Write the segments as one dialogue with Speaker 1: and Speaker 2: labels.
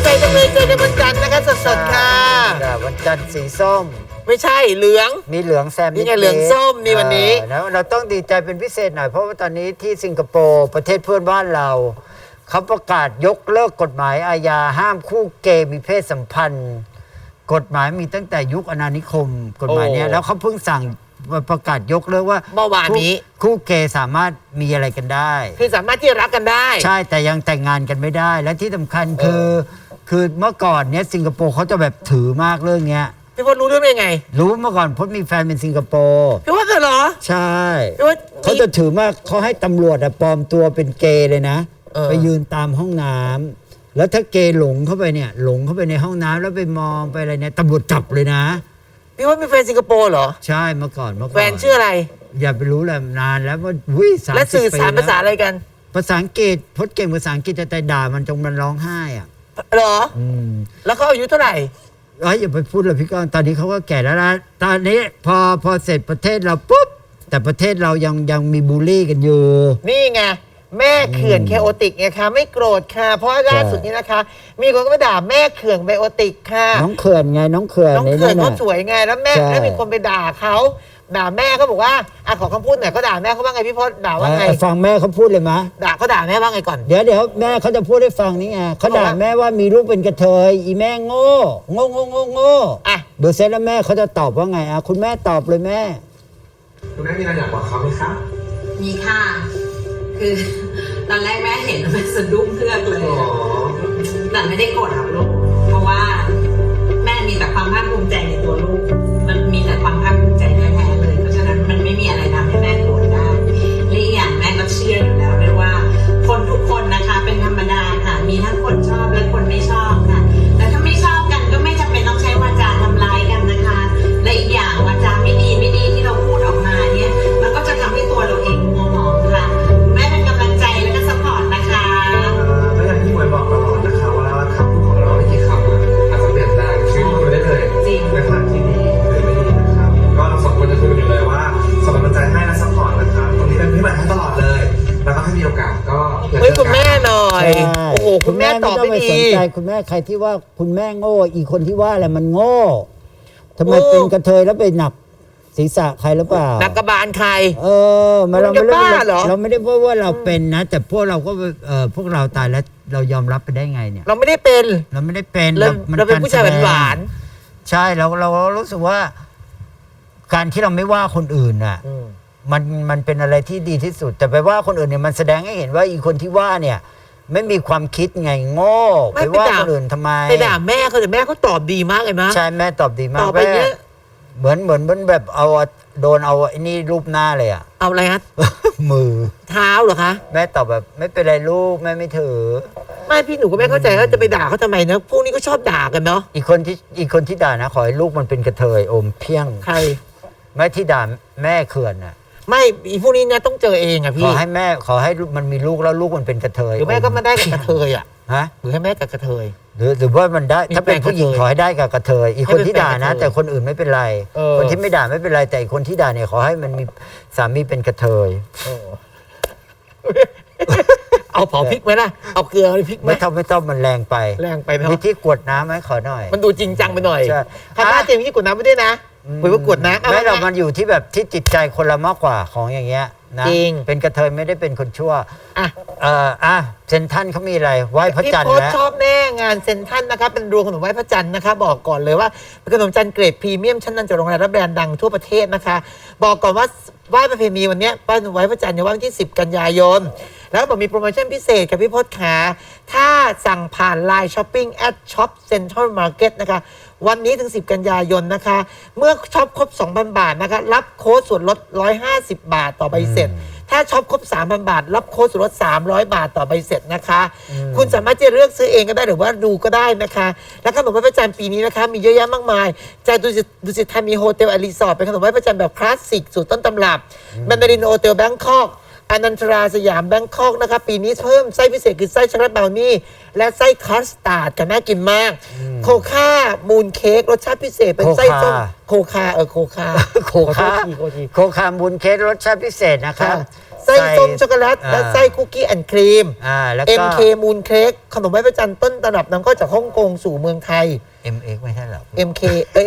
Speaker 1: จังเลยเจอกันวันจันทร์นะคะสดๆค่ะ
Speaker 2: วันจันทร์สีส้ม
Speaker 1: ไม่ใช่เหลือง
Speaker 2: มีเหลืองแซม
Speaker 1: นี่ไงเหลืองส้มนี่วันนี้
Speaker 2: แล้วเราต้องดีใจเป็นพิเศษหน่อยเพราะว่าตอนนี้ที่สิงคโปร์ประเทศเพื่อนบ้านเราเขาประกาศยกเลิกกฎหมายอาญาห้ามคู่เกย์มีเพศสัมพันธ์กฎหมายมีตั้งแต่ยุคอาณานิคมกฎหมายนี้แล้วเขาเพิ่งสั่งประกาศยกเลิกว่า
Speaker 1: เมื่อวานนี้
Speaker 2: คู่เกย์สามารถมีอะไรกันได้
Speaker 1: คือสามารถที่รักกันได้
Speaker 2: ใช่แต่ยังแต่งงานกันไม่ได้และที่สำคัญคือเมื่อก่อนเนี้ยสิงคโปร์เขาจะแบบถือมากเรื่องเนี้ย
Speaker 1: พี่พจน์รู้เรื่องได้ไง
Speaker 2: รู้เมื่อก่อนพจน์มีแฟนเป็นสิงคโปร์
Speaker 1: พี่พจน์เหรอ
Speaker 2: ใช่เขาจะถือมากเขาให้ตำรวจปลอมตัวเป็นเกย์เลยนะไปยืนตามห้องน้ำแล้วถ้าเกย์หลงเข้าไปเนี่ยหลงเข้าไปในห้องน้ำแล้วไปมองไปอะไรเนี่ยตำรวจจับเลยนะ
Speaker 1: พี่พจน์มีแฟนสิงคโปร์เหรอ
Speaker 2: ใช่เมื่อก่อน
Speaker 1: แฟนชื่ออะไร
Speaker 2: อย่าไปรู้เลยนานแล้วว่าวิ่ง
Speaker 1: และสื่อสารภาษาอะไรกัน
Speaker 2: ภาษาอังกฤษพจน์เก่งภาษาอังกฤษแต่ด่ามันจงมันร้องไห้อ่ะ
Speaker 1: เหรอแล้วเขาอายุเท่าไหร่
Speaker 2: อย่าไปพูดเลยพี่ก้องตอนนี้เขาก็แก่แล้วนะตอนนี้พอเสร็จประเทศเราปุ๊บแต่ประเทศเรายังมีบูลลี่กันอยู่
Speaker 1: นี่ไงแม่เขื่อนเคโอติกไงคะไม่โกรธค่ะเพราะล่าสุดนี้นะคะมีคนก็ไปด่าแม่เขื่อนไบโอติกค่ะ
Speaker 2: น้องเขื่อนไงน้องเขื่อน
Speaker 1: เขาสวยไงแล้วแม่แล้วมีคนไปด่าเขาด่าแม่เขาบอกว่าขอคำพูดหน่อยเขาด่าแม่เขาว่าไงพี่พจน์ด่าว่าไง
Speaker 2: ฟังแม่เขาพูดเลยมะ
Speaker 1: เขาด่าแม่ว่าไงก่อน
Speaker 2: เดี๋ยวแม่เขาจะพูดให้ฟังนี่ไงเขาด่าแม่ว่ามีลูกเป็นกระเทยอีแม่โง่เดี๋ยวเสร็จแล้วแม่เขาจะตอบว่าไงคุณแม่ตอบเลยแม่
Speaker 3: คุณแม่มีอะไรอยากบอกเขาไหมครับ
Speaker 4: มีค่ะคือตอนแรกแม่เห็นแม่สะดุ้งเพือกเลยแต่ไม่ได้โกรธหรอกลูกเพราะว่าแม่มีแต่ความภาคภูมิใจในตัวลูกมันมีแต่ความภาคภูมิใจแท้ๆเลยเพราะฉะนั้นมันไม่มีอะไรทำให้แม่โกรธได้และอีกอย่างแม่ก็เชื่ออยู่แล้วด้วยว่าคนทุกคนนะคะเป็นธรรมดาค่ะมีทั้งคนชอบและคนไม่ชอบค่ะแต่ถ้าไม่ชอบกันก็ไม่จำเป็นต้องใช้วาจาทำร้ายกันนะคะและอีกอย่างวาจาไม่ดีที่เราพูดออกมาเนี่ยมันก็จะทำให้ตัวเราเองมัวหมองค่ะแม่เป็นกำลังใจและก็ซัพพอร์ตนะคะ
Speaker 3: ก็อย่างที่หมวยบอกตลอดนะคะว่าคำพูดของเราไม่กี่คำอาจจะเปลี่ยนแปลงชีวิตคุณได้เลยในทางที่ดีหรือไม่ดีนะครับก็เราสองคนจะคุยกันอยู่เลยว่าส่งกำลังใจให้และซัพพอร์ตนะครับตรงนี้เป็นพี่ใหม่ให้ตลอดเลยแล้วก็ให้มีโอกาสก็
Speaker 1: คุณแม่หน่อยโอ้โหคุณแม่ตอบไม่ดี
Speaker 2: สนใจคุณแม่ใครที่ว่าคุณแม่โง่อีกคนที่ว่าอะไรมันโง่ทำไมเป็นกระเทยแล้วไปหนักศีรษะใครหรือเปล่า
Speaker 1: หนักกระบาลใคร
Speaker 2: เราไม่ได้ว่าเราเป็นนะแต่พวกเราก็พวกเราตายแล้วเรายอมรับไปได้ไงเนี่ย
Speaker 1: เราไม่ได้เป็น
Speaker 2: เรา
Speaker 1: เป็นผู้ชายหวาน
Speaker 2: ใช่เรารู้สึกว่าการที่เราไม่ว่าคนอื่นน่ะมันเป็นอะไรที่ดีที่สุดแต่ไปว่าคนอื่นเนี่ยมันแสดงให้เห็นว่าอีคนที่ว่าเนี่ยไม่มีความคิดไงโง่ไปว่าคนอื่นทำไม
Speaker 1: ไปด่าแม่เขาแต่แม่เขาตอบดีมากเลยนะ
Speaker 2: ใช่แม่ตอบดีมากแม่เหมือนแบบเอาโดนเอาไอ้นี่รูปหน้าเลยอะ
Speaker 1: เอาอะไรฮะ
Speaker 2: มือ
Speaker 1: เท้าเหรอคะ
Speaker 2: แม่ตอบแบบไม่เป็นไรลูกแม่ไม่ถือ
Speaker 1: ไม่พี่หนูก็ไม่เข้าใจว่าจะไปด่าเขาทำไมนะพวกนี้ก็ชอบด่ากันเนาะ
Speaker 2: อีกคนที่ด่านะขอให้ลูกมันเป็นกระเทยอมเพี้ยง
Speaker 1: ใคร
Speaker 2: ไม่ที่ด่าแม่เขื่อนน่ะ
Speaker 1: ไม่อีพวกนี้เนี่ยต้องเจอเองอะพี่
Speaker 2: ขอให้มันมีลูกแล้วลูกมันเป็นกระเทย
Speaker 1: หรือแม่ก็มันได้กับกระเทยอะ
Speaker 2: ฮะ
Speaker 1: หรือให้แม่กับกระเทย
Speaker 2: หรือว่ามันได้ถ้าเป็นผู้หญิงขอให้ได้กับกระเทยอีกคนที่ด่านะแต่คนอื่นไม่เป็นไรคนที่ไม่ด่าไม่เป็นไรแต่อีกคนที่ด่าเนี่ยขอให้มันมีสามีเป็นกระเทย
Speaker 1: เอาเผาพริกไหมล่ะเอาเกลือพริกไหม
Speaker 2: ไม่ต้องมันแรงไปมีที่กวดน้ำไหมขอหน่อย
Speaker 1: มันดูจริงจังไปหน่อยถ้าหน้าเจมที่กวดน้ำไม่ได้นะไปว่ากวดน้ำ
Speaker 2: ไม่เรามันอยู่ที่แบบที่จิตใจคนละมากกว่าของอย่างเงี้ยนะ
Speaker 1: จริง
Speaker 2: เป็นกระเทยไม่ได้เป็นคนชั่วเซนทันเขามีอะไรไหว้พระจันทร์
Speaker 1: แล้วชอบแน่งานเซนทันนะคะเป็นรวงขนมไหว้พระจันทร์นะคะบอกก่อนเลยว่าเป็นขนมจันทร์เกรดพรีเมียมชั้นนำจากโรงแรมและแบรนด์ดังทั่วประเทศนะคะบอกก่อนว่าไหว้ประเพณีวันนี้ไหว้พระจันทร์ในวันที่10 กันยายนแล้วบอกมีโปรโมชั่นพิเศษกับพี่พจน์ขาถ้าสั่งผ่าน Line Shopping @Shop Central Market นะคะวันนี้ถึง10 กันยายนนะคะเมื่อช็อปครบ 2,000 บาทนะคะรับโค้ดส่วนลด150 บาทต่อใบเสร็จถ้าช็อปครบ 3,000 บาทรับโค้ดส่วนลด300 บาทต่อใบเสร็จนะคะคุณสามารถจะเลือกซื้อเองก็ได้หรือว่าดูก็ได้นะคะและขนมไหว้พระจันทร์ปีนี้นะคะมีเยอะแยะมากมายจากดุสิตธานีโฮเทลรีสอร์ทเป็นขนมไหว้พระจันทร์แบบคลาสสิกสูตรต้นตำรับแมนดารินโฮเทลแบงคอกอนันทราสยามแบงคอกนะคะปีนี้เพิ่มไส้พิเศษคือไส้ช็อกโกแลตบราวนี่และไส้คัสตาร์ดกันน่ากินมากโคค่ามูนเค้กรสชาติพิเศษเป็นไส้ส้มโคค่ามูนเค้กรสชาติพิเศษนะครับ
Speaker 2: ไส้
Speaker 1: ส้ส้มช็อกโกแลตและไส้คุกกี้แอนด์ครีม
Speaker 2: แล้วก็
Speaker 1: MK มูนเค้กขนมไหว้พระจันทร์ต้นตำรับนำเข้าจากฮ่องกงสู่เมืองไทย
Speaker 2: MX ไม่ใช่หรอ
Speaker 1: MK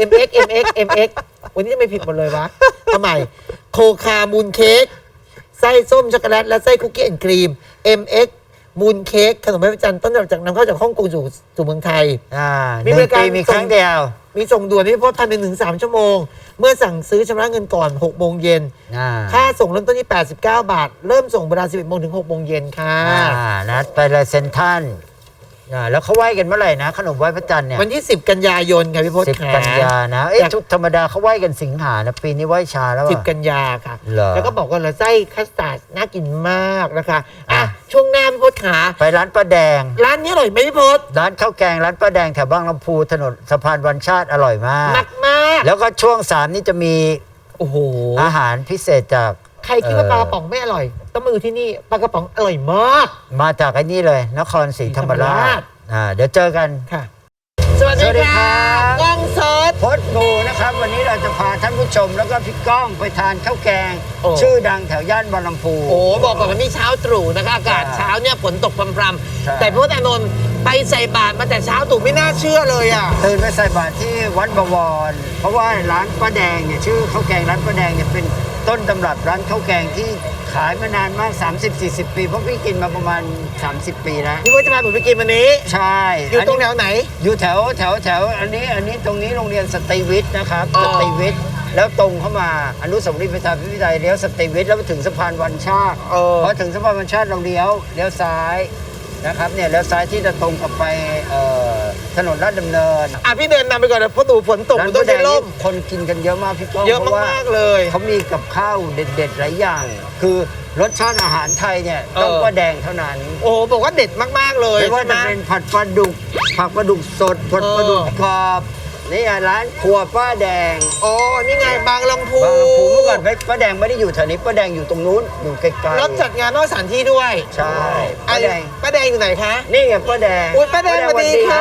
Speaker 1: MX วันนี้จะไม่ผิดหมดเลยวะทำไมโคคามูนเค้กไส้ส้มช็อกโกแลตและไส้คุกกี้แอนด์ครีม MX มูนเค้กขนมไหว้พระจันทร์ต้นตำรับจากนำเข้าจากฮ่องกงสู่เมืองไทย มีบริการ
Speaker 2: มีครั้งเดียว
Speaker 1: มีส่งด่วนที่พบภายใน1-3 ชั่วโมง เมื่อสั่งซื้อชำระเงินก่อน6 โมงเย็น ค่าส่งเริ่มต้นที่89 บาท เริ่มส่งเวลา11 โมงถึง6 โมงเย็นค่ะ
Speaker 2: นัดไปเลยเซ็นทรัลแล้วเขาไหว้กันเมื่อไหร่นะ ขนมไหว้พระจันทร์เนี่ย
Speaker 1: วันที่ 10 กันยายนค่ะพี่พศ
Speaker 2: 10 กันยานะทุกธรรมดาเขาไหว้กันสิงหานะปีนี้ไหว้ช้าแล้ว
Speaker 1: 10 กันยาค่ะ
Speaker 2: เหรอ
Speaker 1: แล้วก็บอกว่าไส้คัสตาร์ดน่ากินมากนะคะช่วงหน้าพี่พศขา
Speaker 2: ไปร้านป้าแดง
Speaker 1: ร้านนี้อร่อยไหมพี่พศ
Speaker 2: ร้านข้าวแกงร้านป้าแดงแถวบางลำพูถนนสะพานวันชาติอร่อยมาก
Speaker 1: มาก
Speaker 2: แล้วก็ช่วง 3 นี่จะมี
Speaker 1: โอ้โห
Speaker 2: อาหารพิเศษจาก
Speaker 1: ใครคิดว่าปลากระป๋องไม่อร่อย ต้องมาดูที่นี่ปลากระป๋องอร่อยมาก
Speaker 2: มาจากไอ้นี่เลยนครศรีธรรมราชเดี๋ยวเจอกัน
Speaker 1: ค่ะ สวัสดี
Speaker 2: สวัสดีครั
Speaker 1: ค่ะ
Speaker 2: บ
Speaker 1: กล้องสด
Speaker 2: พดบูนะครับ วันนี้เราจะพาท่านผู้ชมแล้วก็พี่ก้องไปทานข้าวแกง
Speaker 1: โอ้
Speaker 2: ชื่อดังแถวย่านบางลำพู
Speaker 1: โอ้บอกก่อนว่านี่เช้าตรู่นะคะอากาศ
Speaker 2: ใช่
Speaker 1: เช้าเนี่ยฝนตกพรำ
Speaker 2: ใช่
Speaker 1: ๆแต่พระอานนท์ไปใส่บาตรมาแต่เช้าตรู่ไม่น่าเชื่อเลยอ่ะ
Speaker 2: ตื่นไปใส่บาตรที่วัดบวร เพราะว่าร้านป้าแดงเนี่ยชื่อข้าวแกงร้านป้าแดงเนี่ยเป็นต้นตำรับร้านข้าวแกงที่ขายมานานมาก 30-40 ปีเพราะพี่กินมาประมาณ 30 ปีแล้ว
Speaker 1: พี่ว่าจะพาผมไปกินวันนี้
Speaker 2: ใช่
Speaker 1: อยู่ตรงแถวไหน
Speaker 2: อยู่แถวอันนี้ตรงนี้โรงเรียนสตรีวิทย์นะครับ
Speaker 1: อ๋อ
Speaker 2: สตรีวิทย์แล้วตรงเข้ามาอนุสาวรีย์ประชาธิปไตยเลี้ยวสตรีวิทย์แล้วไปถึงสะพานวันชาติพอถึงสะพานวันชาติเราเลี้ยวซ้ายนะครับเนี่ยเลี้ยวซ้ายที่จะตรงกลับไปถนนลาดดำเนิน
Speaker 1: อ่ะพี่เดินนำไปก่อนนะเพราะตู่ฝนตก
Speaker 2: ร้า
Speaker 1: มัน
Speaker 2: น
Speaker 1: ต้อ
Speaker 2: ป้าง แด
Speaker 1: ใช้
Speaker 2: ง
Speaker 1: ร่
Speaker 2: นี่
Speaker 1: ม
Speaker 2: คนกินกันเยอะมากพี่ก้อง
Speaker 1: เยอะ
Speaker 2: พราว่
Speaker 1: มากๆเลย
Speaker 2: เขามีกับข้าวเด็ดๆหลายอย่าง คือรสชาติอาหารไทยเนี่ยต้องป้าแดงเท่านั้น
Speaker 1: โอ้โหบอกว่าเด็ดมากๆเลย
Speaker 2: ไม่ว่า
Speaker 1: ใช่ไหม
Speaker 2: จะเป็นผัดปลาดุกผัดปลาดุกสดผัดปลาดุกกรอบนี่ร้านครัวป้าแดง
Speaker 1: อ๋อนี่ไงบางลำพู
Speaker 2: บางลำพูเมื่อก่อนป้าแดงไม่ได้อยู่แถวนี้ป้าแดงอยู่ตรงนู้นอยู่ไกลๆ
Speaker 1: รับจัดงานนอกสถานที่ด้วย
Speaker 2: ใช่ป้าแดง
Speaker 1: ป้าแดงอยู่ไหนคะ
Speaker 2: นี่ไงป้าแดง
Speaker 1: อุ้ยป้าแดงสวัสดีค่ะ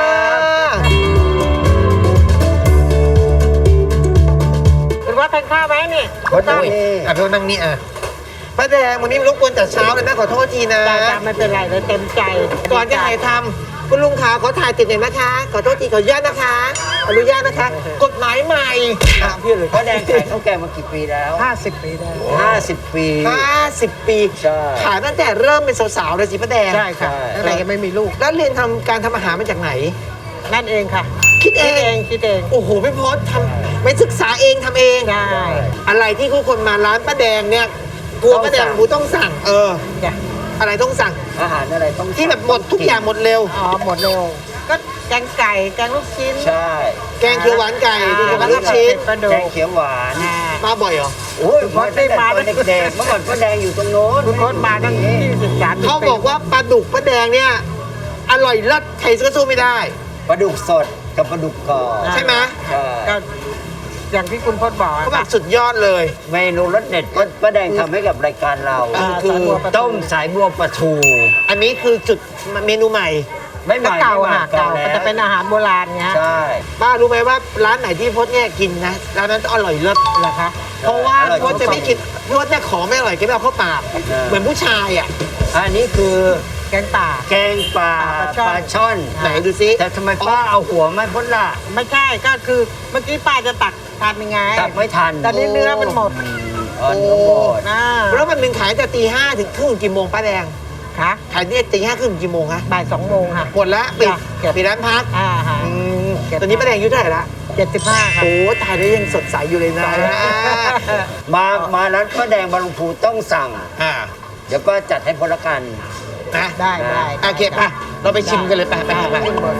Speaker 1: เป็นว่าทานข้าวไหมนี่
Speaker 2: ป้าแดงนี่
Speaker 1: อ่ะพี่นั่งนี่อ่ะป้าแดงวันนี้รบกวนจัดเช้าเลยนะขอโทษทีนะ
Speaker 5: จ้าไม่เป็นไรเลยเต็มใจ
Speaker 1: ก่อนจะถ่ายทำคุณลุงขาขอถ่ายติดหน่อยนะคะ ขอโทษทีขออนุญาตนะคะอนุญาตนะคะ กฎหมายใหม่อ่ะพี่เลย
Speaker 2: ป้าแดงขายข้าวแกงมากี่ปีแล้ว
Speaker 5: 50 ปีได้
Speaker 2: 50 ปี
Speaker 1: 50 ปี
Speaker 2: ใช่
Speaker 1: ขายตั้งแต่เริ่มเป็นสาวๆเลยสิป้าแดง
Speaker 5: ใช่ค่ะตั้งแต่ยังไม่มีลูก
Speaker 1: แล้วเรียนทำการทำอาหารมาจากไหน
Speaker 5: นั่นเองค่ะ
Speaker 1: คิดเอง
Speaker 5: คิดเอง
Speaker 1: โอ้โหพี่พศทำไม่ศึกษาเองทำเอง
Speaker 5: ได้
Speaker 1: อะไรที่ทุกคนมาร้านป้าแดงเนี่ยกลัวป้าแดงบูต้องสั่ง
Speaker 5: จ้ะ
Speaker 1: อะไรต้องสั่ง
Speaker 2: อาหารอะไรต้อง
Speaker 1: ที่แบบหมดทุกอย่างหมดเร็ว
Speaker 5: อ๋อหมดเร็ว ก็แกงไก่ แกงลูกชิ้น
Speaker 2: ใช่
Speaker 1: แกงเขียวหวานไก่
Speaker 5: อ่า
Speaker 1: แกงลูกชิ้น
Speaker 5: ปลาดุ
Speaker 2: แก
Speaker 5: ก
Speaker 2: งเขียวหวาน
Speaker 1: มาบ่อยเหรอ
Speaker 2: โอ้ยมาตั้งแต่ตอนเด็กๆเมื่อก่อนป้าแดงอยู่ตรงโน้น
Speaker 5: คุณพจน์มาตั้ง23
Speaker 1: เขาบอกว่าปลาดุกป้าแดงเนี่ยอร่อยเลิศใครก็สู้ไม่ได้
Speaker 2: ปลาดุกสดกับปลาดุกกรอบ
Speaker 1: ใช่ไหม
Speaker 2: ใช่
Speaker 5: ก็อย่างที่คุณพจน์บอก
Speaker 1: เขาแบบสุดยอดเลย
Speaker 2: เมนูรสเด็ดป้าแดงทำให้กับรายการเรา
Speaker 1: คือ
Speaker 2: ต้มสายบัวปลาทู
Speaker 1: อันนี้คือจุดเมนูใหม่
Speaker 2: ไม่ให
Speaker 5: ก็
Speaker 2: ม่
Speaker 5: เก่า
Speaker 2: ไม่ใหม่
Speaker 5: ค่ะเก่า
Speaker 2: แล้ว
Speaker 5: มันจะเป็นอาหารโบราณเงี้ย
Speaker 2: ใช่
Speaker 1: ป้ารู้ไหมว่าร้านไหนที่พจน์เนี่ยกินนะร้านนั้นอร่อยเลิศ
Speaker 5: เหรอคะ
Speaker 1: เพราะว่าพจน์จะไม่กินพจน์เนี่ยของไม่อร่อยกินไม่เอาเข้าปากเหมือนผู้ชายอ่ะ
Speaker 2: อันนี้คือ
Speaker 5: แกงป่า
Speaker 2: แกงปลา
Speaker 5: ปลาช่อน
Speaker 2: ปลาช่อน
Speaker 1: ไหนดูซิ
Speaker 2: แต่ทำไมป้าเอาหัวไม่พ้นล่ะ
Speaker 5: ไม่ใช่ก็คือเมื่อกี้ป้าจะตักทานยังไง
Speaker 2: ตักไม่ทัน
Speaker 5: ตอนนี้เนื้อมันหมด
Speaker 2: อ๋อเนื้อหมด
Speaker 5: นะ
Speaker 1: แล้วมันหนึ่งขายแต่ตีห้าถึงครึ่งกี่โมงป้าแดง
Speaker 5: ค่ะ
Speaker 1: ขายเนี่ยตีห้าครึ่งกี่โมงฮะ
Speaker 5: บ่าย2 โมงค่ะ
Speaker 1: หมดละปิด
Speaker 5: จ้ะ
Speaker 1: ปิดร้านพัก
Speaker 5: ฮะ
Speaker 1: อืม
Speaker 5: เก็บ
Speaker 1: ตอนนี้ป้าแดงอายุเท่าไหร่ละ
Speaker 5: 75 ค่ะ
Speaker 1: โอ้ตายแล้วยังสดใสอยู่เลยนะ
Speaker 2: มาร้านป้าแดงบางลำพูต้องสั่ง
Speaker 1: อ่า
Speaker 2: เดี๋ยวป้าจัดให้พลกัน
Speaker 1: นะ
Speaker 5: ได้ได้
Speaker 1: โอเคป่ะเราไปชิมกันเลยไปไปไป
Speaker 5: ขึ้นบน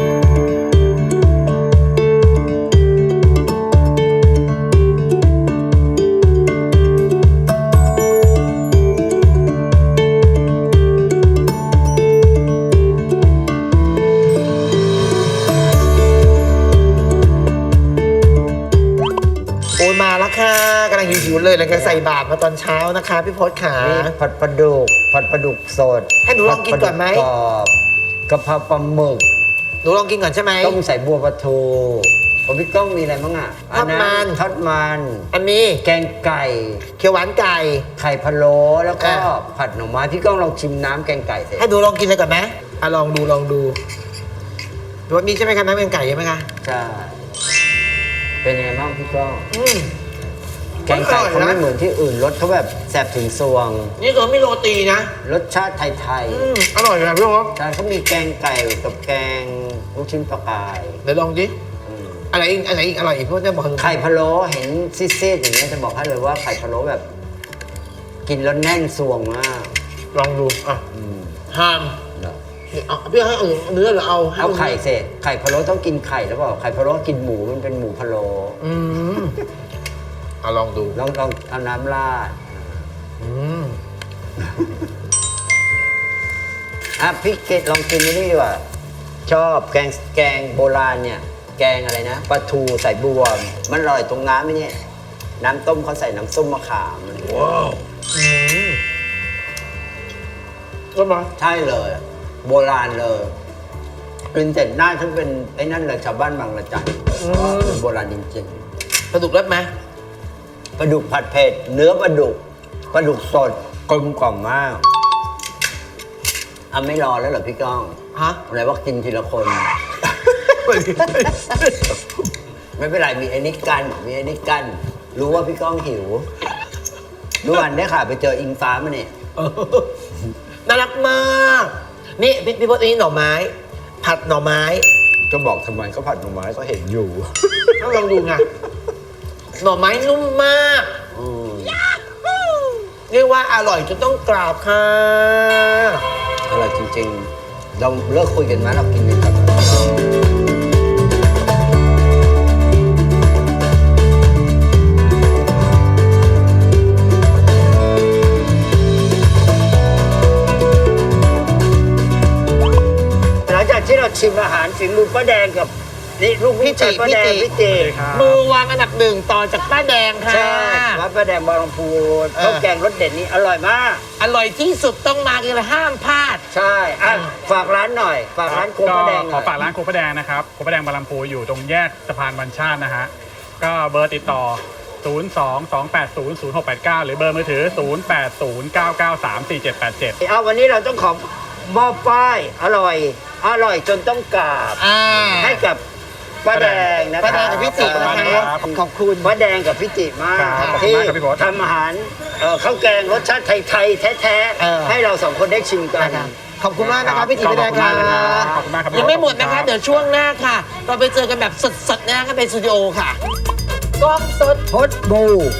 Speaker 1: โอ้ยมาแล้วค่ะกำลังหิวๆเลยเลยใส่บาตรมาตอนเช้านะคะพี่พศขา
Speaker 2: นี่ผัดปลาดุกสด
Speaker 1: ให้หนูลองกินก่อนไหม
Speaker 2: ผัดปลาดุกกรอบกะเพราปลาหมึก
Speaker 1: หนูลองกินก่อนใช่ไหม
Speaker 2: ต้มใส่บัวปลาทูของพี่ก้องมีอะไรบ้างอ่ะ
Speaker 1: ทอดมัน
Speaker 2: ทอดมัน
Speaker 1: อันนี้
Speaker 2: แกงไก่
Speaker 1: เขียวหวานไก่
Speaker 2: ไข่พะโล้แล้วก็
Speaker 1: อ่ะ
Speaker 2: ผัดหน่อไม้พี่ก้องลองชิมน้ำแกงไก่เสร็จ
Speaker 1: ให้ดูลองกินเลยก่อนไหมลองดูดูว่านี่ใช่ไหมคะน้ำแกงไก่ใช่ไหมคะ
Speaker 2: ใช่เป็นยังไงบ้างพี่ก้อง
Speaker 1: อืม
Speaker 2: แกงไก่เขา
Speaker 1: อร่อยนะ
Speaker 2: ไม่เหมือนที่อื่นรสเขาแบบแสบถึงซวง
Speaker 1: นี่ก็ไม่โรตีนะ
Speaker 2: รสชาติไทย
Speaker 1: อร่อยนะพี่โอ๊ค
Speaker 2: ๆใช่เขามีแกงไก่กับแกงลูกชิ้นปลากาย
Speaker 1: เดี๋ยวลองดิ
Speaker 2: อืม
Speaker 1: อะไรอีกอร่อยอีกพวกจะบอก
Speaker 2: ไข่พะโล้เห็นซีดๆอย่างนี้ยจะบอกให้เลยว่าไข่พะโล้แบบ กินแล้วแน่นซวงมาก
Speaker 1: ลองดูอ่ะ
Speaker 2: อืม
Speaker 1: ห้าม
Speaker 2: เนอะ
Speaker 1: นี่เอาพี่ให้เนื้อหรือเอา
Speaker 2: เอาไข่เสร็จไข่พะโล้ต้องกินไข่แล้วเปล่าไข่พะโล้กินหมูมันเป็นหมูพะโล้
Speaker 1: อืมลองดู
Speaker 2: ลองเอาน้ำราด
Speaker 1: อืม
Speaker 2: อ่ะพี่เกดลองกินนี่ดีกว่าชอบแกงโบราณเนี่ย แกงอะไรนะปลาทูใส่บวมมันอร่อยตรงน้ำไหมเนี่ยน้ำต้มเขาใส่น้ำส้มมะขามอะไรอย่างเงี้ย
Speaker 1: ว้าวอืมก็มา
Speaker 2: ใช่เลย โบราณเลยกินเสร็จหน้าฉันเป็นไอ้นั่นเลยชาวบ้านบางระจันเป็นโบราณจริง
Speaker 1: ปลาดุกรับไหม
Speaker 2: ๆปลาดุกผัดเผ็ดเนื้อปลาดุกสดกลมกล่อมมากอ่ะไม่รอแล้วเหรอพี่ก้อง
Speaker 1: ฮะ
Speaker 2: อะไรว่ากินทีละคน ไม่เป็นไรมีไอ้นี่กันรู้ว่าพี่ก้องหิวรู้วันได้ค่ะไปเจออิงฟ้ามาเนี่ย
Speaker 1: น่ารักมาก นี่พี่พจน์อันนี้หน่อไม้ ผัดหน่อไม้
Speaker 2: ก็บอกทำไมเขาผัดหน่อไม้ก็เห็นอยู่
Speaker 1: ต้องลองดูไงหน่อไม้นุ่มมาก
Speaker 2: อืม
Speaker 1: เรียกว่าอร่อยจนต้องกราบค่ะ
Speaker 2: อร่อยจริงๆ เราเลิกคุยกันไหมเรากินกันก่อนหลังจากที่เราชิมอาหารฝีมือป้าแดงกับนี่ลูกพี่ชายป้าแดงพี่จิ
Speaker 1: มือวางอันดับหนึ่งต่อจากป้าแดงค่ะ
Speaker 2: ใช่วัดป้าแดงบางลำพูข้าวแกงรสเด็ดนี้อร่อยมาก
Speaker 1: อร่อยที่สุดต้องมากันเลยห้ามพลาด
Speaker 2: ใช่อ่ะฝากร้านหน่อย ฝากร้านโคมป้าแดงห
Speaker 6: ข
Speaker 2: น่
Speaker 6: อ
Speaker 2: อย
Speaker 6: ฝากร้านโคป้าแดงนะครับโคป้าแดงบางลำพูอยู่ตรงแยกสะพานบัญชาตินะฮะ ก็เบอร์ติดต่อ 022800689 หรือเบอร์มือถือ 0809934787
Speaker 2: เอาวันนี้เราต้องขอมอบป้ายอร่อยจนต้องกราบ ให้กับป้าแดงนะคะ
Speaker 1: ป้าแดงกับพี่จิ
Speaker 6: นะครับ
Speaker 1: ขอบคุณ
Speaker 2: ป้าแดงกับพี่จิมาก
Speaker 6: ครับขอบคุณ
Speaker 2: ที่
Speaker 6: มากครับพี่พศ
Speaker 2: ทำอาหารข้าวแกงรสชาติไทยๆแท้
Speaker 1: เออ
Speaker 2: ๆให้เราสองคนได้ชิมกัน
Speaker 1: นะคะขอบคุณมากนะคะพี่จิ
Speaker 6: ขอบ
Speaker 1: ป้าแดง
Speaker 6: คุณ
Speaker 1: ค่ะ
Speaker 6: มากนะครับขอบคุณมากครับ
Speaker 1: ยังไม่หมดนะ
Speaker 6: ขอบคุ
Speaker 1: คะ
Speaker 6: ณครับ
Speaker 1: เดี๋ยวช่วงหน้าค่ะ เราไปเจอกันแบบสดๆนะกันในสตูดิโอค่ะกล้องสด
Speaker 2: พดบู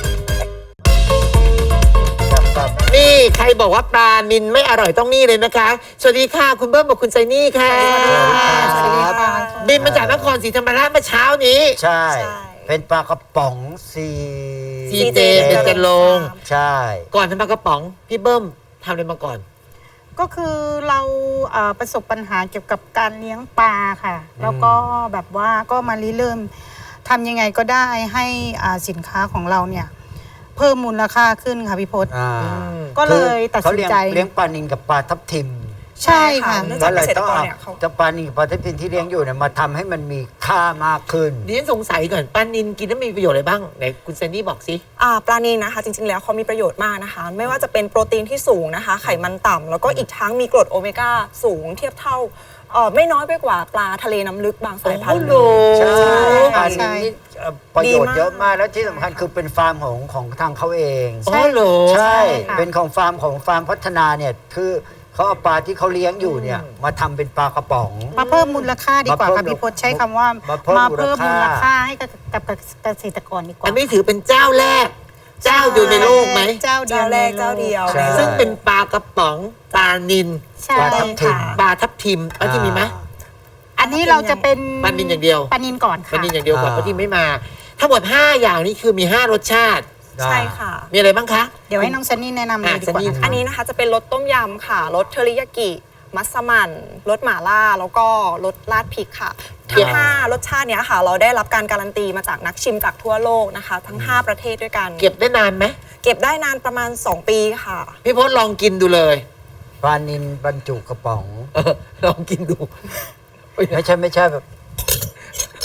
Speaker 1: นี่ใครบอกว่าปลานินไม่อร่อยต้องนี่เลยนะคะ สวัสดีค่ะ คุณเบิ้มกับคุณไซนี่ค่ะ
Speaker 5: สวัสดีค่ะ
Speaker 1: บินมาจากนครศรีธรรมราชเมื่อเช้านี้
Speaker 2: ใช่ เป็นปลากระป๋องซี
Speaker 1: ซีเจเป็นจะลง
Speaker 2: ใช่
Speaker 1: ก่อนทำปลากระป๋อง พี่เบิ้มทำอะไรมาก่อน
Speaker 5: ก็คือเราประสบปัญหาเกี่ยวกับการเลี้ยงปลาค่ะ แล้วก็แบบว่าก็มาริเริ่มทำยังไงก็ได้ให้สินค้าของเราเนี่ย เพิ่มมูลค่าขึ้นค่ะพี่พศ ก็เลยตัดสินใจ
Speaker 2: เขาเลี้ยงปลานิลกับปลาทับทิม
Speaker 5: ใช่ค่ะ
Speaker 7: เนื่อง
Speaker 2: ก็
Speaker 7: จาก
Speaker 2: เล
Speaker 7: เก
Speaker 2: ย
Speaker 7: ษต
Speaker 2: ต้
Speaker 7: ร
Speaker 2: อง
Speaker 7: กร
Speaker 2: เอา
Speaker 7: เนี่ยเขา
Speaker 2: เจ้าปลานิลกับปลาทับทิมที่เลี้ยงอยู่เนี่ยมาทำให้มันมีค่ามากขึ้น
Speaker 1: ดิฉันสงสัยก่อนปลานินกินแล้วมีประโยชน์อะไรบ้างไหนคุณไซนี่บอกสิ
Speaker 7: ปลานิลนะคะ จริงๆแล้วเขามีประโยชน์มากนะคะ ไม่ว่าจะเป็นโปรตีนที่สูงนะคะ ไขมันต่ำแล้วก็อีกทั้งมีกรดโอเมก้าสูงเทียบเท่าไม่น้อยไปกว่าปลาทะเลน้ำลึกบางสายพันธุ์
Speaker 1: โอ้โห
Speaker 2: ใช่
Speaker 5: ใช่
Speaker 2: อันนี้ประโยชน์เยอะมากแล้วที่สำคัญคือเป็นฟาร์มของทางเขาเอง
Speaker 1: ใช่เหรอ
Speaker 2: ใช่
Speaker 5: ค่ะ
Speaker 2: เป็นของฟาร์มพัฒนาเนี่ยคือเขาเอาปลาที่เขาเลี้ยงอยู่เนี่ยมาทำเป็นปลากระป๋อง
Speaker 5: มาเพิ่มมูลค่าดีกว่า
Speaker 2: มาเพิ่
Speaker 5: ค่ะ
Speaker 2: ม
Speaker 5: พี่พศใช้คำว่า
Speaker 2: มาเพิ่ม
Speaker 5: มาเพิ่ม
Speaker 2: มู
Speaker 5: มู
Speaker 2: ล
Speaker 5: ล
Speaker 2: ค่า
Speaker 5: ค่าให้กับเกษตรกรดีกว่า
Speaker 1: อันนี้ถือเป็นเจ้าแรก เจ้าเดียวในโลกไหม
Speaker 5: เจ้าเดียว
Speaker 7: เจ้าแรกเจ้าเดียว
Speaker 2: ใช่
Speaker 1: ซึ่งเป็นปลากระป๋องปลานิน
Speaker 5: ใช่
Speaker 2: ปลาทับทิม
Speaker 5: ค่ะ
Speaker 1: ปลาทับทิมปลาทิมมีไหม
Speaker 5: อันนี้เราจะเป็น
Speaker 1: ปลานิลอย่างเดียว
Speaker 5: ปลานินก่อน
Speaker 1: ปลา
Speaker 5: ค่ะ
Speaker 1: นินอย่างเดียวก่อน
Speaker 2: อ่า
Speaker 1: ปลาทิมไม่มา ทั้งหมด 5 อย่างนี้คือมี 5 รสชาติ
Speaker 7: ใช่ค่ะ
Speaker 1: มีอะไรบ้างคะ
Speaker 5: เดี๋ยวให้น้องซันนี่แนะนำเลยดีกว่า
Speaker 1: ซันนี่
Speaker 5: นะคะ
Speaker 7: อันนี้นะคะจะเป็นรสต้มยำค่ะรสเทอริยากิมัสมั่นรสหม่าล่าแล้วก็รสราดพริกค่ะทั้ง5รสชาติเนี้ยค่ะ เราได้รับการการันตีมาจากนักชิมจากทั่วโลกนะคะ ทั้ง 5 ประเทศด้วยกัน
Speaker 1: เก็บได้นานไหม
Speaker 7: เก็บได้นานประมาณ 2 ปีค่ะ
Speaker 1: พี่พศลองกินดูเลย
Speaker 2: ปลานิลบรรจุกระป๋อง
Speaker 1: ลองกินดู
Speaker 2: ไม่ใช่แบบ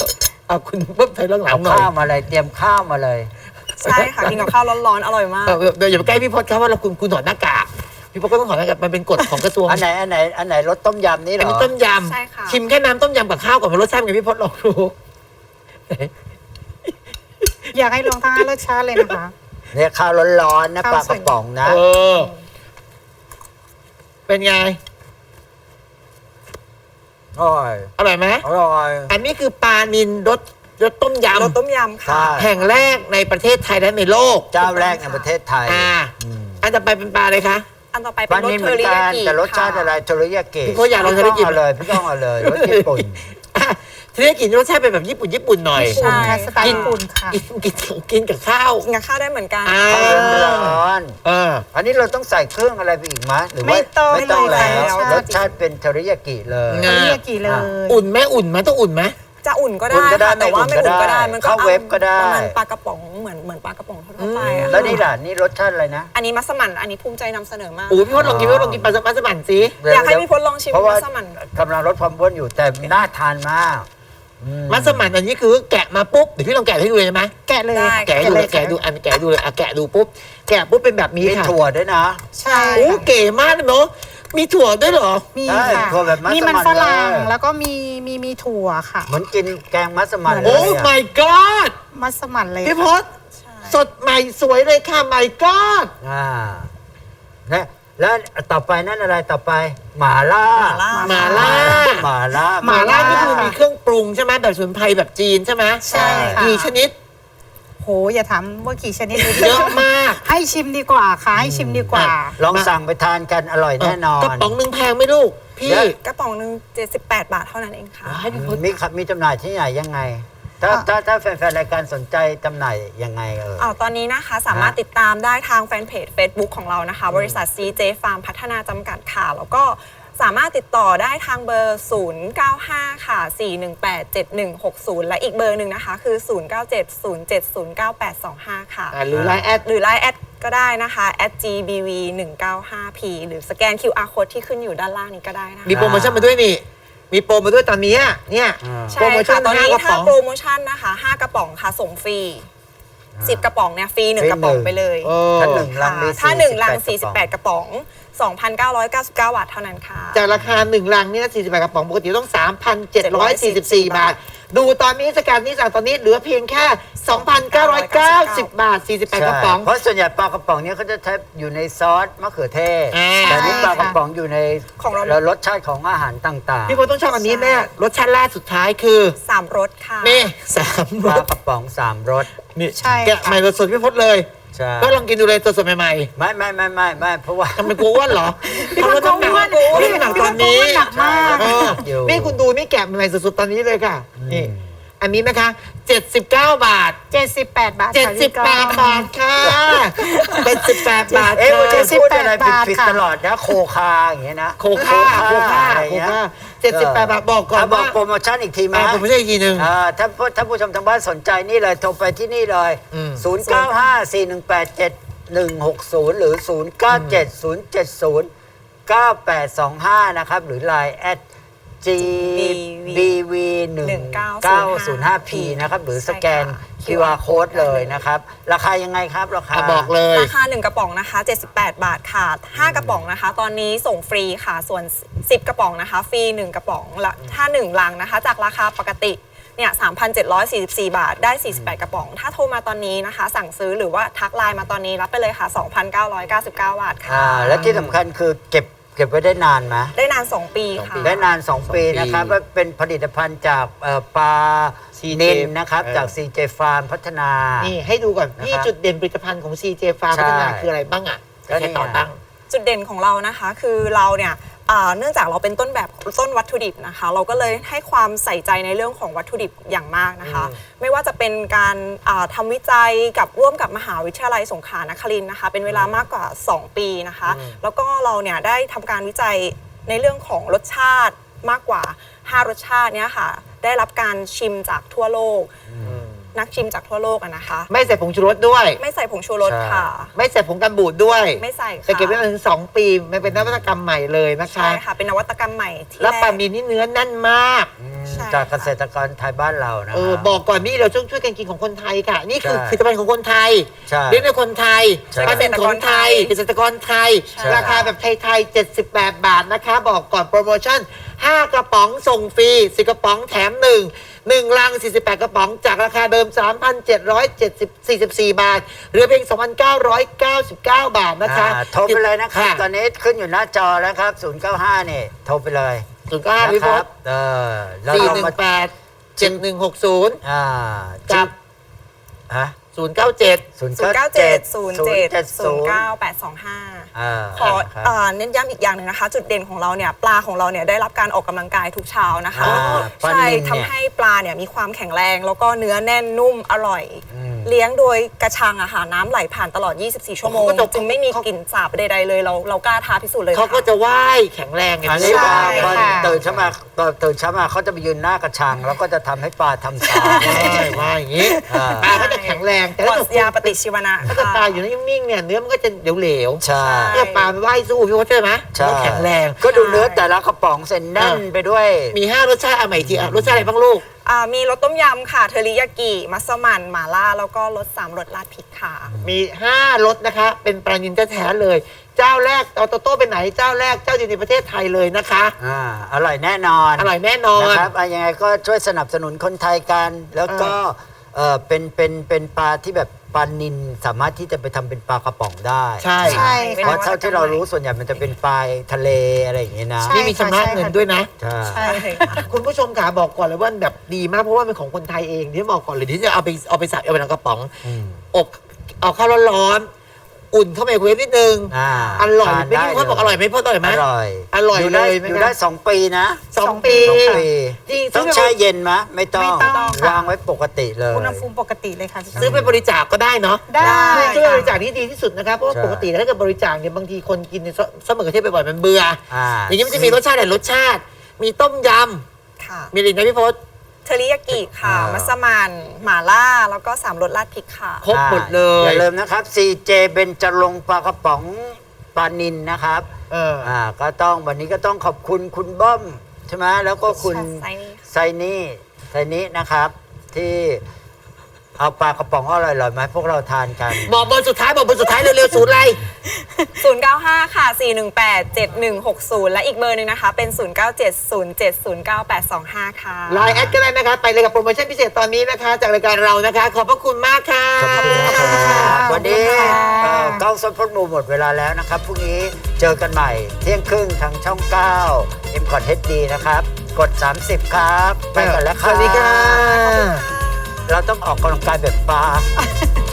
Speaker 1: เอาคุณเพิ่มเธอเรื่องหลั
Speaker 2: เอา
Speaker 1: งหน่อย
Speaker 2: ข้าวมาเลยเตรียมข้าวมาเลย
Speaker 7: ใช่ค่ะกินกับข้าวร้อนๆอร่อยมาก
Speaker 1: เดี๋ยวอย่าไปใกล้พี่พจน์ครับว่าเราคุณถอดหน้ากากพี่พจน์ก็ต้องถอดหน้ากากมันเป็นกฎของกระทรวง
Speaker 2: อันไหนรสต้มยำนี่เหร
Speaker 1: อัน
Speaker 2: อ
Speaker 1: นี้ต้มย
Speaker 7: ใช่ค่ะ
Speaker 1: ำชิมแค่น้ำต้มยำกับข้าวก่อนว่ารสชาติเป็นไงพี่พจน์ลองดู
Speaker 5: อยากให้ลองทั้งรสชาติเลยนะคะ
Speaker 2: เนี่ยข้าวร้อนๆนะ
Speaker 5: ข้าว
Speaker 2: ปลากระป๋องนะ
Speaker 1: เออ เป็นไง
Speaker 2: อร่อย
Speaker 1: อร่อยไหม
Speaker 2: อร่อย
Speaker 1: อันนี้คือปลานิลรสต้มย
Speaker 7: รสต้มยำ
Speaker 2: ใช่
Speaker 7: ค่ะ
Speaker 1: ำแห่งแรกในประเทศไทยและในโลก
Speaker 2: เจ้าแรกในประเทศไทย
Speaker 1: อันต่อไปเป็นปลาเลยคะ
Speaker 7: อันต่อไป
Speaker 2: ป
Speaker 7: เป็
Speaker 2: ลาน
Speaker 7: รส
Speaker 2: นิลเห
Speaker 7: เท
Speaker 2: มื
Speaker 7: อ
Speaker 2: อน
Speaker 7: ริ
Speaker 2: กั
Speaker 7: ยาน กิ
Speaker 2: แต่รสชาติอะไรเทอริยากิ
Speaker 1: พี่ก็อยากลองเทอริยากิ
Speaker 2: พี่ต้องเอาเลยรสญี่ปุ่น
Speaker 1: ทีนี้กินรสชาติเป็นแบบญี่ปุ่นหน่อย
Speaker 7: ใช่
Speaker 5: ค่ะสไตล์ญี่ปุ่นค่ะ
Speaker 1: กินกับข้าว
Speaker 7: กินกับข้าวได้เหมือนกัน
Speaker 1: อ่า
Speaker 2: ข้าวร้อน
Speaker 1: เออ
Speaker 2: อันนี้เราต้องใส่เครื่องอะไรไปอีกไหมหรือว่า
Speaker 5: ไม่ต้อง
Speaker 2: ไม่ต้อง
Speaker 5: ไม่
Speaker 2: แล้ว
Speaker 5: ต้อง
Speaker 2: รสชาติเป็นเทอริยากิเลย
Speaker 1: อ่า
Speaker 5: เรียกกี่เลย
Speaker 1: อุ่นไหมต้องอุ่นไหม
Speaker 7: จะอุ่นก็
Speaker 2: อุ่
Speaker 7: ได้
Speaker 2: นก็ได้
Speaker 7: ค่ะแต่ว่าไม่อุ่นก็ได้ มันก็
Speaker 2: เข้าเว็บก็ได้
Speaker 7: ประมาณปลากระป๋องเหมือนปลากระป๋องทั่วๆไปอะ
Speaker 2: แล้วนี่ล่ะนี่รสชาติอะไรนะ
Speaker 7: อันนี้มัสมั่นอันนี้ภูมิใจนำเสนอมาก
Speaker 1: โอ้ยพี่พจน์ลองกินปลาสมันสิ
Speaker 7: อยากให้พี่พจน์ลองชิม
Speaker 2: เพราะว่า
Speaker 7: มัสมั่น
Speaker 2: กำลังลดความอ้วนอยู่แต่น่าทานมาก
Speaker 1: มัสมั่นอันนี้คือแกะมาปุ๊บเดี๋ยวพี่ลองแกะให้ดูเลยไหม
Speaker 5: แกะเลย
Speaker 7: ได้
Speaker 1: แกะให้ดูเลยแกะดูอันแกะดูเลยอ่ะแกะดูปุ๊บแกะปุ๊บเป็นแบบนี้
Speaker 2: มี
Speaker 1: ค่ะ
Speaker 2: ถั่วด้วยนะ
Speaker 5: ใช่
Speaker 1: โอ้เก๋มากเลยเนาะมีถั่วด้วยเหรอ
Speaker 5: มี
Speaker 2: ใช่
Speaker 5: ค่ะ
Speaker 2: ถั่วแบบมัสมั่น
Speaker 5: มีมันฝรั่ง
Speaker 2: เลย
Speaker 5: แล้วก็มีถั่วค่ะ
Speaker 2: เหมือนกินแกงมัสมั่นเล
Speaker 1: โอ้
Speaker 2: ยอะ
Speaker 1: my god
Speaker 5: มัสมั่นเลย
Speaker 1: พี่พศสดใหม่สวยเลยค่ะ my god
Speaker 2: แล้วต่อไปนั่นอะไรต่อไปหม่าล่า
Speaker 1: หม่าล่า
Speaker 2: หม่าล่า
Speaker 1: หม่าล่านี่คือมีเครื่องปรุงใช่ไหมแบบสมุนไพรแบบจีนใช่ไหม
Speaker 5: ใช่ค่ะ
Speaker 1: กี่ชนิด
Speaker 5: โหอย่าถามว่ากี่ชนิด
Speaker 1: เยอะมาก
Speaker 5: ให้ชิมดีกว่าค่ะให้ชิมดีกว่า
Speaker 2: ลองสั่งไปทานกันอร่อยแน่นอน
Speaker 1: กระป๋องหนึ่งแพงไหมลูก พี่
Speaker 2: เยอะ
Speaker 7: กระป๋องหนึ่ง78 บาทเท่านั้นเองค่ะ
Speaker 1: ให้พี่พศ
Speaker 2: มีจำหน่ายที่ไหนยังไง ถ้าแฟนๆรายการสนใจจำหน่ายยังไง
Speaker 7: ตอนนี้นะคะสามารถติดตามได้ทางแฟนเพจ Facebook ของเรานะคะ บริษัท CJ Farm พัฒนาจำกัดค่ะ แล้วก็สามารถติดต่อได้ทางเบอร์ 095 ค่ะ 4187160 และอีกเบอร์หนึ่งนะคะ คือ 0970709825 ค่ะ
Speaker 1: หรือไลน์แอด
Speaker 7: หรือ Line แอดก็ได้นะคะ @gbv195p หรือสแกน QR code ที่ขึ้นอยู่ด้านล่างนี้ก็ได้นะคะ
Speaker 1: มีโปรโมชั่นมาด้วยนี่ มีโปรมาด้วยตอนนี้เนี่ย
Speaker 7: ใช่
Speaker 1: โปรโมชั่
Speaker 7: ค่ะ
Speaker 1: น
Speaker 7: ตอนนี้
Speaker 1: 5กระป๋
Speaker 7: ถ้า
Speaker 1: อง
Speaker 7: โปรโมชั่นนะคะ5กระป๋องค่ะส่งฟรี10กระป๋องเนี่ยฟรี1กระป๋องไปเลย
Speaker 1: เออ
Speaker 2: ถ้าหนึ่งลังมี
Speaker 7: ถ้า1ลัง
Speaker 2: 48
Speaker 7: 48 กระป๋อง 2,999 บาทเท่านั้นค่ะ
Speaker 1: จากราคา1ลังเนี่ย48กระป๋องปกติต้อง 3,744 บาท ดูตอนนี้สแกนนี้สั่งตอนนี้เหลือเพียงแค่ 2,990 บาท 48 กระป๋อง
Speaker 2: เพราะส่วนใหญ่ปลากระป๋องเนี้เขาจะใช้อยู่ในซอสมะเขือเทศ
Speaker 1: อ่า
Speaker 2: แต่นี่ปลากระป๋องอยู่ใน
Speaker 7: ของเรา
Speaker 2: แล้วรสชาติของอาหารต่าง
Speaker 1: พี่พลต้องชอบอันนี้แม่รสชาติล่าสุดท้ายคือ
Speaker 7: 3รสค่ะ
Speaker 1: นี่สาม
Speaker 2: ๆป
Speaker 1: ร
Speaker 2: ลา
Speaker 1: ส
Speaker 2: กระป๋อง3รส
Speaker 1: นี่
Speaker 5: ใช่
Speaker 1: แกะใหม่สดๆพี่พลเลย
Speaker 2: ใช่
Speaker 1: ก็ลองกินดูเลยสดๆใหม่
Speaker 2: ไม่เพราะว่า
Speaker 1: ๆทำไมกลัวอ้วนเหรอเพราะว่าต้องหนักพี่หนักตอนนี้
Speaker 5: หนักมาก
Speaker 1: เออ
Speaker 2: อยู่
Speaker 1: นี่คุณดูนี่แกะใหม่ๆสดๆตอนนี้เลยค่ะนี่อันนี้นะคะ 79 บาท
Speaker 5: 78 บาทค่ะพี่ก้อง
Speaker 1: 78 บาทค่ะ78 บาท
Speaker 2: เอ๊ะ
Speaker 1: ค่ะ
Speaker 2: วันนี้พูดอะไร
Speaker 5: 78
Speaker 2: ผิด
Speaker 5: ค่ะ
Speaker 2: ๆตลอดนะโคคาอย่างเงี้ยนะ
Speaker 1: โคค่า
Speaker 2: อะไรเงี้ย
Speaker 1: 78 บาทบอกก่อน
Speaker 2: บอก
Speaker 1: ว่า
Speaker 2: โปรโมชั่นอีกทีไหม
Speaker 1: ผมไม่ใช่อีกทีหนึ่ง
Speaker 2: ถ้าผู้ชมทางบ้านสนใจนี่เลยโทรไปที่นี่เลย
Speaker 1: อืม
Speaker 2: 0954187160 หรือ 0970709825 นะครับ หรือ Line GBV1905P นะครับ หรือสแกน QR code เลยนะครับ ราคายังไงครับราคา
Speaker 1: บอกเลย
Speaker 7: ราคา1กระป๋องนะคะ78 บาทค่ะ5กระป๋องนะคะ ตอนนี้ส่งฟรีค่ะส่วน10กระป๋องนะคะฟรี1กระป๋องและถ้า1ลังนะคะจากราคาปกติเนี่ย 3,744 บาทได้48กระป๋อง ถ้าโทรมาตอนนี้นะคะ สั่งซื้อหรือว่าทักไลน์มาตอนนี้รับไปเลยค่ะ 2,999 บาทค่ะ
Speaker 2: และที่สำคัญคือเก็บไว้ได้นานไหม
Speaker 7: ได้นาน 2 ปีค่ะ
Speaker 2: ได้นาน 2 ปีนะครับว่าเป็นผลิตภัณฑ์จากปลา
Speaker 1: CJ
Speaker 2: นิลนะครับ จาก CJ Farm พัฒนา
Speaker 1: นี่ให้ดูก่อนพี่
Speaker 2: นะครับ
Speaker 1: จุดเด่นผลิตภัณฑ์ของ CJ Farm
Speaker 2: ใช่
Speaker 1: พัฒนาคืออะไรบ้างอ่ะ
Speaker 2: ก็นี่
Speaker 1: แค่ต่อตั้ง
Speaker 7: จุดเด่นของเรานะคะคือเราเนี่ยเนื่องจากเราเป็นต้นวัตถุดิบนะคะ เราก็เลยให้ความใส่ใจในเรื่องของวัตถุดิบอย่างมากนะคะ ไม่ว่าจะเป็นการทำวิจัยกับร่วมกับมหาวิทยาลัยสงขลานครินทร์นะคะ เป็นเวลามากกว่า 2 ปีนะคะ แล้วก็เราเนี่ยได้ทำการวิจัยในเรื่องของรสชาติมากกว่า5รสชาติเนี่ยค่ะได้รับการชิมจากทั่วโลกนักชิมจากทั่วโลกอะนะคะ
Speaker 1: ไม่ใส่ผงชูรสด้วย
Speaker 7: ไม่ใส่ผงชูรสค่ะ
Speaker 1: ไม่ใส่ผงกันบูดด้วย
Speaker 7: ไม่ใส่ค่ะ
Speaker 1: จะเก็บไว้นานถึง2 ปีมันเป็นนวัตกรรมใหม่เลยนะคะ
Speaker 7: ใช่ค่ะ เป็นนวัตกรรมใหม่ที่
Speaker 1: แล้ว
Speaker 7: แร
Speaker 1: ปลาก นิลนี่เนื้อแน่นมาก
Speaker 7: ใช่
Speaker 2: จากเกษตรกรไทยบ้านเรานะ
Speaker 1: บอกก่อนนี่เราช่วยกันกินของคนไทยค่ะ นี่คือ
Speaker 2: ใช่
Speaker 1: ผลิตภัณฑ์ของคนไทย
Speaker 2: ใช่
Speaker 1: เลี้ยงโดยคนไทย
Speaker 2: ใช่
Speaker 1: ปลาเป็นของไทยเกษตรกรไทย
Speaker 7: ใช่
Speaker 1: ราคาแบบไทยๆ78 บาทนะคะ บอกก่อนโปรโมชั่น 5 กระป๋องส่งฟรี10 กระป๋องแถม 1 ลัง 48 กระป๋องจากราคาเดิม 3,744 บาทเหลือเพียง 2,999 บาทนะคะ
Speaker 2: โทรไปเลยนะครับ ตอนนี้ขึ้นอยู่หน้าจอแล้วครับ 095นี่โทรไปเลย
Speaker 1: 095พี่พ
Speaker 2: นะ
Speaker 1: ศ
Speaker 2: แล้วเรามา
Speaker 1: 418 7160
Speaker 2: อ่า
Speaker 1: กับ
Speaker 2: ฮะ
Speaker 1: 097
Speaker 7: 097 07 09 825 ขอเน้นย้ำอีกอย่างหนึ่งนะคะ จุดเด่นของเราเนี่ยปลาของเราเนี่ยได้รับการออกกำลังกายทุกเช้านะคะ
Speaker 2: ปลา
Speaker 7: ใช่
Speaker 2: นิลเนี่ย
Speaker 7: ทำให้ปลาเนี่ยมีความแข็งแรง แล้วก็เนื้อแน่นนุ่มอร่อย
Speaker 2: อืม
Speaker 7: เลี้ยงโดยกระชังอะค่ะน้ำไหลผ่านตลอด 24 ชั่วโมง
Speaker 1: เขาก็จะ
Speaker 7: จึงไม่มีกลิ่นสาบใดๆเลยเรากล้าท้าพิสูจน์เลย
Speaker 1: เขาก็
Speaker 7: ค่
Speaker 1: จะว่ายแข็งแรงไง
Speaker 2: อันนี้
Speaker 7: ใช่
Speaker 2: พอ
Speaker 5: ค่ะ
Speaker 2: ตื่นเช้ามาเขาจะไปยืนหน้ากระชัง แล้วก็จะทำให้ปลาทำตาม
Speaker 1: ว่ายอย่างนี้
Speaker 2: อ่า
Speaker 1: ปลาก็จะแข็งแรงแต่
Speaker 7: ปลอ
Speaker 1: ถ้า
Speaker 7: ด
Speaker 1: เกิด
Speaker 7: ยาปฏิชีวนะ
Speaker 1: ถ้าเกิดปลาอยู่นิ่งๆเนี่ยเนื้อมันก็จะเหลว
Speaker 2: ใช่
Speaker 1: ๆถ้าปลามันว่ายสู้พี่ว่าใช่ไหม
Speaker 2: ใช่
Speaker 1: มันก็แข็งแรง
Speaker 2: ก็ดูเนื้อแต่ละกระป๋องเส้นแน่นไปด้วย
Speaker 1: มี 5 รสชาติเอาใหม่อีกทีอ่ะรสชาติอะไรบ้างลูก
Speaker 7: มีรสต้มยำค่ะเทอริยากิมัสมั่นหม่าล่าแล้วก็รส3รสราดพริกค่ะ
Speaker 1: มี 5 รสนะคะ เป็นปลานิลแท้ๆเลย เจ้าแรกเอาโตโต้ไปไหนเจ้าแรกเจ้าเดียวในประเทศไทยเลยนะคะ
Speaker 2: อร่อยแน่นอน
Speaker 1: อร่อยแน่นอน
Speaker 2: นะครับยังไงก็ช่วยสนับสนุนคนไทยกัน แล้วก็เป็นปลาที่แบบปลานิลสามารถที่จะไปทำเป็นปลากระป๋องได้
Speaker 1: ใช่
Speaker 5: ใช่
Speaker 2: เพราะ
Speaker 5: ค่ะ
Speaker 2: เท่าที่เรารู้ส่วนใหญ่มันจะเป็นปลาทะเลอะไรอย่างเงี้ยนะ
Speaker 5: ใช่
Speaker 1: นี่มีชำระเงินด้วยนะ
Speaker 2: ใช่
Speaker 5: ใช่
Speaker 1: คุณผู้ชมขาบอกก่อนเลยว่าแบบดีมากเพราะว่าเป็นของคนไทยเองที่บอกก่อนเลยที่จะเอาไปใส่เอาไปในกระป๋อง
Speaker 2: อืม
Speaker 1: อบเอาข้าวร้อนๆอุ่นเข้าไมโครเวฟนิดนึง อร่อย
Speaker 2: ทาน
Speaker 1: ไม่
Speaker 2: ได้
Speaker 1: รู้พ่อบอกอร่อยไหมพ่ออร่อยไหม
Speaker 2: อร่อย
Speaker 1: อร่อย
Speaker 2: ได้
Speaker 1: เลยไหม
Speaker 2: อยู่
Speaker 1: นะ
Speaker 2: ได้2 ปีนะ
Speaker 1: 2 ปี
Speaker 2: 2 ปี
Speaker 1: จริง
Speaker 2: ต้อง
Speaker 1: ซื้
Speaker 2: แช่
Speaker 1: อ
Speaker 2: เย็นไหมไม่ต้อง
Speaker 5: ไม่ต้องค่ะ
Speaker 2: วางไว้ปกติเลย
Speaker 5: อุณหภูมิปกติเลยค่ะพี่
Speaker 1: ซื้อไปบริจาคก็ได้เนาะ
Speaker 5: ได้
Speaker 1: ช่วยบ
Speaker 5: ค่ะ
Speaker 1: ริจาคนี่ดีที่สุดนะครับเพราะว่า
Speaker 2: ใช่
Speaker 1: ปกติถ้าเกิดบริจาคเนี่ยบางทีคนกินในซอสมะเขือเทศบ่อยๆมันเบื่อ อย่างนี้มันจะมีรสชาติหลายรสชาติ มีต้มย
Speaker 7: ค่ะ
Speaker 1: ำมีอะไรนะพี่พศ
Speaker 7: เทอริยากิค่ะ มัสมั่นหม่าล่า แล้วก็3รสราดพริกค่ะ
Speaker 1: ครบหมดเลย
Speaker 2: อย่าลืมนะครับ CJ เบญจรงค์ปลากระป๋องปลานิลนะครับ ก็ต้องวันนี้ก็ต้องขอบคุณคุณบ้อมใช่ไหมแล้วก็คุณ
Speaker 7: ไซนี่
Speaker 2: ไซนี่นะครับ ที่เอาปลากระป๋องอร่อยๆมาให้พวกเราทานกัน
Speaker 1: บอกเบอร์สุดท้ายบอกเบอร์สุดท้ายเร็วๆศูนย์อะไร
Speaker 7: 095 ค่ะ 418 7160 และอีกเบอร์หนึ่งนะคะ เป็น 0970709825 ค่ะ
Speaker 1: ไลน์แอดก็ได้นะคะ ไปเลยกับโปรโมชั่นพิเศษตอนนี้นะคะ จากรายการเรานะคะ ขอบพระคุณมากค่ะ
Speaker 2: ขอบคุณครับ วันนี้
Speaker 5: ขอบคุณค่ะ
Speaker 2: ก้าวซอฟต์พอดมูหมดเวลาแล้วนะครับพรุ่งนี้เจอกันใหม่เที่ยงครึ่งทางช่อง 9 m c o t HD นะครับ กด 30 ครับ ไปก่อนแล้วครับ
Speaker 1: สวัสดีค่ะ
Speaker 2: เราต้องออกกำลังกายแบบปลา